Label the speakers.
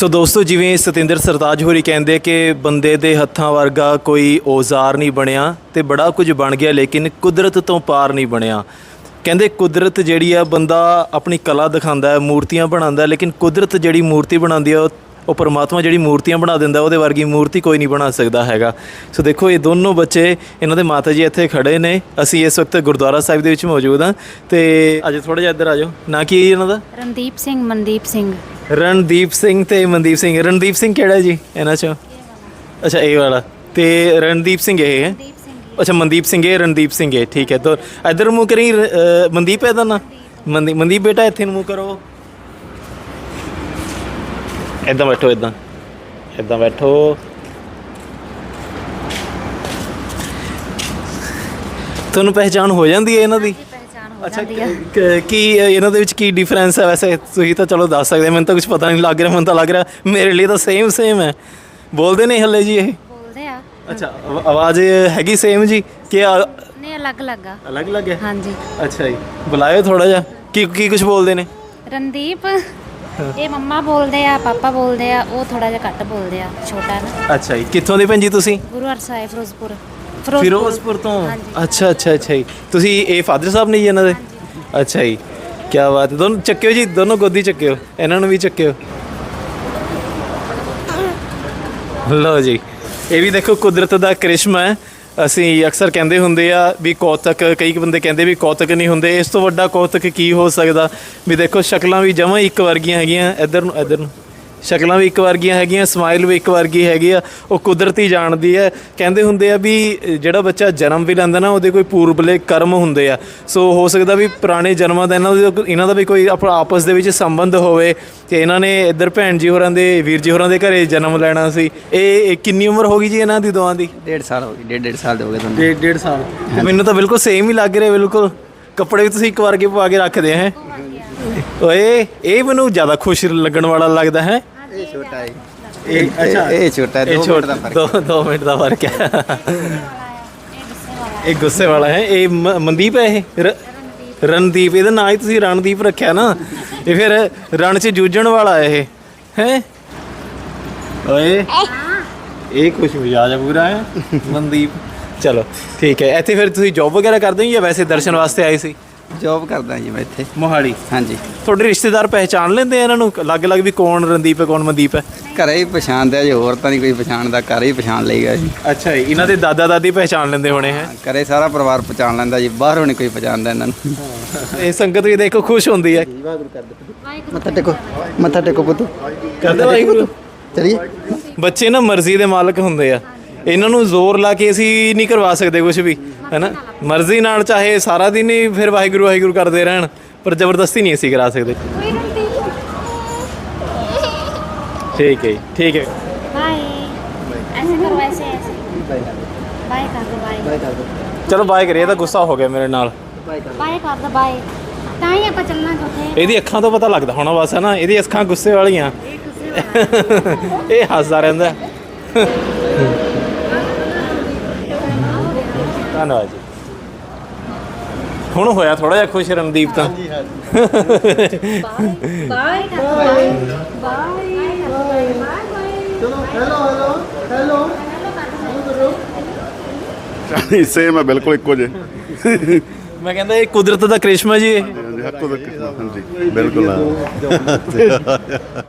Speaker 1: ਸੋ ਦੋਸਤੋ, ਜਿਵੇਂ ਸਤਿੰਦਰ ਸਰਤਾਜ ਹੋਰੀ ਕਹਿੰਦੇ ਕਿ ਬੰਦੇ ਦੇ ਹੱਥਾਂ ਵਰਗਾ ਕੋਈ ਔਜ਼ਾਰ ਨਹੀਂ ਬਣਿਆ ਤੇ ਬੜਾ ਕੁਝ ਬਣ ਗਿਆ, ਲੇਕਿਨ ਕੁਦਰਤ ਤੋਂ ਪਾਰ ਨਹੀਂ ਬਣਿਆ। ਕਹਿੰਦੇ ਕੁਦਰਤ ਜਿਹੜੀ ਆ, ਬੰਦਾ ਆਪਣੀ ਕਲਾ ਦਿਖਾਉਂਦਾ ਹੈ, ਮੂਰਤੀਆਂ ਬਣਾਉਂਦਾ, ਲੇਕਿਨ ਕੁਦਰਤ ਜਿਹੜੀ ਮੂਰਤੀ ਬਣਾਉਂਦੀ ਆ, ਉਹ ਪਰਮਾਤਮਾ ਜਿਹੜੀ ਮੂਰਤੀਆਂ ਬਣਾ ਦਿੰਦਾ, ਉਹਦੇ ਵਰਗੀ ਮੂਰਤੀ ਕੋਈ ਨਹੀਂ ਬਣਾ ਸਕਦਾ ਹੈਗਾ। ਸੋ ਦੇਖੋ, ਇਹ ਦੋਨੋਂ ਬੱਚੇ, ਇਹਨਾਂ ਦੇ ਮਾਤਾ ਜੀ ਇੱਥੇ ਖੜੇ ਨੇ। ਅਸੀਂ ਇਸ ਵਕਤ ਗੁਰਦੁਆਰਾ ਸਾਹਿਬ ਦੇ ਵਿੱਚ ਮੌਜੂਦ ਹਾਂ ਤੇ ਅੱਜ ਥੋੜ੍ਹਾ ਜਿਹਾ ਇੱਧਰ ਆ ਜਾਓ। ਨਾ ਕੀ ਇਹਨਾਂ ਦਾ?
Speaker 2: ਰਣਦੀਪ ਸਿੰਘ, ਮਨਦੀਪ ਸਿੰਘ।
Speaker 1: ਰਣਦੀਪ ਸਿੰਘ ਤੇ ਮਨਦੀਪ ਸਿੰਘ। ਰਣਦੀਪ ਸਿੰਘ ਕਿਹੜਾ ਜੀ ਇਹਨਾਂ 'ਚੋਂ? ਅੱਛਾ, ਇਹ ਵਾਲਾ। ਤੇ ਰਣਦੀਪ ਸਿੰਘ ਇਹ ਹੈ? ਅੱਛਾ, ਮਨਦੀਪ ਸਿੰਘ ਇਹ, ਰਣਦੀਪ ਸਿੰਘ ਇਹ। ਠੀਕ ਹੈ। ਤਾਂ ਇੱਧਰ ਮੂੰਹ ਕਰੀ। ਮਨਦੀਪ ਹੈ ਦਾ ਨਾ? ਮਨਦੀਪ ਬੇਟਾ ਇੱਥੇ ਨੂੰ ਮੂੰਹ ਕਰੋ। ਇੱਦਾਂ ਬੈਠੋ, ਇੱਦਾਂ ਬੈਠੋ। ਤੁਹਾਨੂੰ ਪਹਿਚਾਣ ਹੋ ਜਾਂਦੀ ਹੈ ਇਹਨਾਂ ਦੀ? ਅੱਛਾ, ਕੀ ਇਹਨਾਂ ਦੇ ਵਿੱਚ ਕੀ ਡਿਫਰੈਂਸ ਹੈ? ਵੈਸੇ ਤੁਸੀਂ ਤਾਂ ਚਲੋ ਦੱਸ ਸਕਦੇ, ਮੈਨੂੰ ਤਾਂ ਕੁਝ ਪਤਾ ਨਹੀਂ ਲੱਗ ਰਿਹਾ। ਮੈਨੂੰ ਤਾਂ ਲੱਗ ਰਿਹਾ ਮੇਰੇ ਲਈ ਤਾਂ ਸੇਮ ਹੈ। ਬੋਲਦੇ ਨੇ ਹੱਲੇ ਜੀ? ਇਹ
Speaker 2: ਬੋਲਦੇ ਆ।
Speaker 1: ਅੱਛਾ, ਆਵਾਜ਼ ਹੈਗੀ ਸੇਮ ਜੀ ਕਿ
Speaker 2: ਨਹੀਂ? ਅਲੱਗ
Speaker 1: ਹੈ?
Speaker 2: ਹਾਂਜੀ।
Speaker 1: ਅੱਛਾ ਜੀ, ਬੁਲਾਇਓ ਥੋੜਾ ਜਿਹਾ। ਕੀ ਕੁਝ ਬੋਲਦੇ ਨੇ?
Speaker 2: ਰਣਦੀਪ ਇਹ ਮੰਮਾ ਬੋਲਦੇ ਆ, ਪਾਪਾ ਬੋਲਦੇ ਆ, ਉਹ ਥੋੜਾ ਜਿਹਾ ਘੱਟ ਬੋਲਦੇ ਆ, ਛੋਟਾ ਨਾ।
Speaker 1: ਅੱਛਾ ਜੀ, ਕਿੱਥੋਂ ਦੇ ਭੈਣ ਜੀ ਤੁਸੀਂ?
Speaker 2: ਗੁਰੂ ਹਰਸਾਏ, ਫਿਰੋਜ਼ਪੁਰ
Speaker 1: ਤੋਂ। ਅੱਛਾ ਜੀ, ਤੁਸੀਂ ਇਹ ਫਾਦਰ ਸਾਹਿਬ ਨੇ ਜੀ ਇਹਨਾਂ ਦੇ? ਅੱਛਾ ਜੀ, ਕੀ ਬਾਤ ਹੈ। ਦੋਨੋਂ ਚੱਕਿਓ ਜੀ, ਦੋਨੋਂ ਗੋਦੀ ਚੱਕਿਓ, ਇਹਨਾਂ ਨੂੰ ਵੀ ਚੱਕਿਓ। ਲਓ ਜੀ, ਇਹ ਵੀ ਦੇਖੋ ਕੁਦਰਤ ਦਾ ਕਰਿਸ਼ਮਾ ਹੈ। ਅਸੀਂ ਅਕਸਰ ਕਹਿੰਦੇ ਹੁੰਦੇ ਆ ਵੀ ਕੌਤਕ, ਕਈ ਬੰਦੇ ਕਹਿੰਦੇ ਵੀ ਕੌਤਕ ਨਹੀਂ ਹੁੰਦੇ। ਇਸ ਤੋਂ ਵੱਡਾ ਕੌਤਕ ਕੀ ਹੋ ਸਕਦਾ? ਵੀ ਦੇਖੋ, ਸ਼ਕਲਾਂ ਵੀ ਜਮਾਂ ਇੱਕ ਵਰਗੀਆਂ ਹੈਗੀਆਂ। ਇੱਧਰ ਨੂੰ ਸ਼ਕਲਾਂ ਵੀ ਇੱਕ ਵਰਗੀਆਂ ਹੈਗੀਆਂ, ਸਮਾਈਲ ਵੀ ਇੱਕ ਵਰਗੀ ਹੈਗੀ ਆ। ਉਹ ਕੁਦਰਤੀ ਜਾਣਦੀ ਹੈ। ਕਹਿੰਦੇ ਹੁੰਦੇ ਆ ਵੀ ਜਿਹੜਾ ਬੱਚਾ ਜਨਮ ਵੀ ਲੈਂਦਾ ਨਾ, ਉਹਦੇ ਕੋਈ ਪੂਰਬਲੇ ਕਰਮ ਹੁੰਦੇ ਆ। ਸੋ ਹੋ ਸਕਦਾ ਵੀ ਪੁਰਾਣੇ ਜਨਮਾਂ ਦਾ ਇਹਨਾਂ ਦਾ ਵੀ ਕੋਈ ਆਪਸ ਦੇ ਵਿੱਚ ਸੰਬੰਧ ਹੋਵੇ ਤੇ ਇਹਨਾਂ ਨੇ ਇੱਧਰ ਭੈਣ ਜੀ ਹੋਰਾਂ ਦੇ, ਵੀਰ ਜੀ ਹੋਰਾਂ ਦੇ ਘਰੇ ਜਨਮ ਲੈਣਾ ਸੀ। ਇਹ ਕਿੰਨੀ ਉਮਰ ਹੋ ਗਈ ਜੀ ਇਹਨਾਂ ਦੀ ਦੋਵਾਂ ਦੀ?
Speaker 3: 1.5 ਸਾਲ ਹੋ ਗਈ। 1.5 ਸਾਲ ਦੇ ਹੋ ਗਏ ਤੁਹਾਨੂੰ?
Speaker 1: 1.5 ਸਾਲ। ਮੈਨੂੰ ਤਾਂ ਬਿਲਕੁਲ ਸੇਮ ਹੀ ਲੱਗ ਰਿਹਾ। ਬਿਲਕੁਲ ਕੱਪੜੇ ਵੀ ਤੁਸੀਂ ਇੱਕ ਵਾਰ ਕੇ ਪਾ ਕੇ ਰੱਖਦੇ ਹੈ। ਓਏ, ਇਹ ਮੈਨੂੰ ਜ਼ਿਆਦਾ ਖੁਸ਼ ਲੱਗਣ ਵਾਲਾ ਲੱਗਦਾ ਹੈ।
Speaker 3: ਇਹ ਛੋਟਾ ਹੈ।
Speaker 1: ਅੱਛਾ,
Speaker 3: ਇਹ ਛੋਟਾ ਹੈ। 2 ਮਿੰਟ ਦਾ ਫਰਕ।
Speaker 1: 2 ਮਿੰਟ ਦਾ ਫਰਕ ਹੈ। ਇਹ ਗੁੱਸੇ ਵਾਲਾ ਹੈ। ਇਹ ਮਨਦੀਪ ਹੈ। ਇਹ ਰਣਦੀਪ। ਇਹਦਾ ਨਾਂ ਹੀ ਤੁਸੀਂ ਰਣਦੀਪ ਰੱਖਿਆ ਨਾ। ਇਹ ਫਿਰ ਰਣ 'ਚ ਜੂਝਣ ਵਾਲਾ ਇਹ ਹੈ। ਓਏ, ਇਹ ਕੁਛ ਮਿਜਾਜ ਪੂਰਾ ਹੈ ਮਨਦੀਪ। ਚਲੋ ਠੀਕ ਹੈ। ਇੱਥੇ ਫਿਰ ਤੁਸੀਂ ਜੌਬ ਵਗੈਰਾ ਕਰਦੇ ਹੋ ਜਾਂ ਵੈਸੇ ਦਰਸ਼ਨ ਵਾਸਤੇ ਆਏ ਸੀ?
Speaker 3: ਜੌਬ ਕਰਦਾ ਜੀ ਮੈਂ ਇੱਥੇ
Speaker 1: ਮੋਹਾਲੀ।
Speaker 3: ਹਾਂਜੀ।
Speaker 1: ਤੁਹਾਡੇ ਰਿਸ਼ਤੇਦਾਰ ਪਹਿਚਾਣ ਲੈਂਦੇ ਆ ਇਹਨਾਂ ਨੂੰ ਅਲੱਗ-ਅਲੱਗ ਵੀ ਕੌਣ ਰਣਦੀਪ ਹੈ, ਕੌਣ ਮਨਦੀਪ ਹੈ?
Speaker 3: ਘਰੇ ਹੀ ਪਛਾਣਦੇ ਆ ਜੀ, ਹੋਰ ਤਾਂ ਨਹੀਂ ਕੋਈ ਪਛਾਣਦਾ। ਘਰੇ ਹੀ ਪਛਾਣ ਲਈਗਾ ਜੀ।
Speaker 1: ਅੱਛਾ ਜੀ, ਇਹਨਾਂ ਦੇ ਦਾਦਾ ਦਾਦੀ ਪਹਿਚਾਣ ਲੈਂਦੇ ਹੋਣੇ ਹੈ?
Speaker 3: ਘਰੇ ਸਾਰਾ ਪਰਿਵਾਰ ਪਛਾਣ ਲੈਂਦਾ ਜੀ, ਬਾਹਰੋਂ ਨਹੀਂ ਕੋਈ ਪਛਾਣਦਾ ਇਹਨਾਂ ਨੂੰ।
Speaker 1: ਇਹ ਸੰਗਤ ਵੀ ਦੇਖੋ ਖੁਸ਼ ਹੁੰਦੀ ਹੈ।
Speaker 3: ਮੱਥਾ ਟੇਕੋ ਪੁੱਤ।
Speaker 1: ਕਰਦੇ ਵਾਹਿਗੁਰੂ।
Speaker 3: ਚਲੀਏ।
Speaker 1: ਬੱਚੇ ਨਾ ਮਰਜ਼ੀ ਦੇ ਮਾਲਕ ਹੁੰਦੇ ਆ। ਇਹਨਾਂ ਨੂੰ ਜ਼ੋਰ ਲਾ ਕੇ ਅਸੀਂ ਨਹੀਂ ਕਰਵਾ ਸਕਦੇ ਕੁਝ ਵੀ, ਹੈ ਨਾ। ਮਰਜ਼ੀ ਨਾਲ ਚਾਹੇ ਸਾਰਾ ਦਿਨ ਹੀ ਫਿਰ ਵਾਹਿਗੁਰੂ ਵਾਹਿਗੁਰੂ ਕਰਦੇ ਰਹਿਣ, ਪਰ ਜ਼ਬਰਦਸਤੀ ਨਹੀਂ ਅਸੀਂ ਕਰਾ ਸਕਦੇ। ਠੀਕ ਹੈ ਜੀ, ਠੀਕ ਹੈ।
Speaker 2: ਬਾਏ। ਐਸੇ ਕਰੋ, ਐਸੇ ਬਾਏ ਕਰ ਦੋ। ਬਾਏ ਕਰ ਦੋ।
Speaker 1: ਚਲੋ ਬਾਏ ਕਰੀਏ। ਤਾਂ ਗੁੱਸਾ ਹੋ ਗਿਆ ਮੇਰੇ ਨਾਲ।
Speaker 2: ਬਾਏ ਕਰ ਦੋ। ਬਾਏ। ਤਾਂ ਹੀ ਆਪਾਂ ਚੱਲਣਾ ਕਿੱਥੇ?
Speaker 1: ਇਹਦੀ ਅੱਖਾਂ ਤੋਂ ਪਤਾ ਲੱਗਦਾ ਹੋਣਾ ਬਸ, ਹੈ ਨਾ। ਇਹਦੀ ਅੱਖਾਂ ਗੁੱਸੇ ਵਾਲੀਆਂ। ਇਹ ਹੱਸਦਾ ਰਹਿੰਦਾ। ਧੰਨਵਾਦ ਜੀ। ਹੁਣ ਹੋਇਆ ਥੋੜਾ ਜਿਹਾ ਖੁਸ਼ ਰਣਦੀਪ ਤਾਂ।
Speaker 2: ਬਾਏ।
Speaker 4: ਸੇਮ ਹੈ, ਬਿਲਕੁਲ ਇੱਕੋ ਜਿਹੇ।
Speaker 1: ਮੈਂ ਕਹਿੰਦਾ ਇਹ ਕੁਦਰਤ ਦਾ ਕਰਿਸ਼ਮਾ ਜੀ। ਇਹ
Speaker 4: ਹਾਂਜੀ, ਬਿਲਕੁਲ।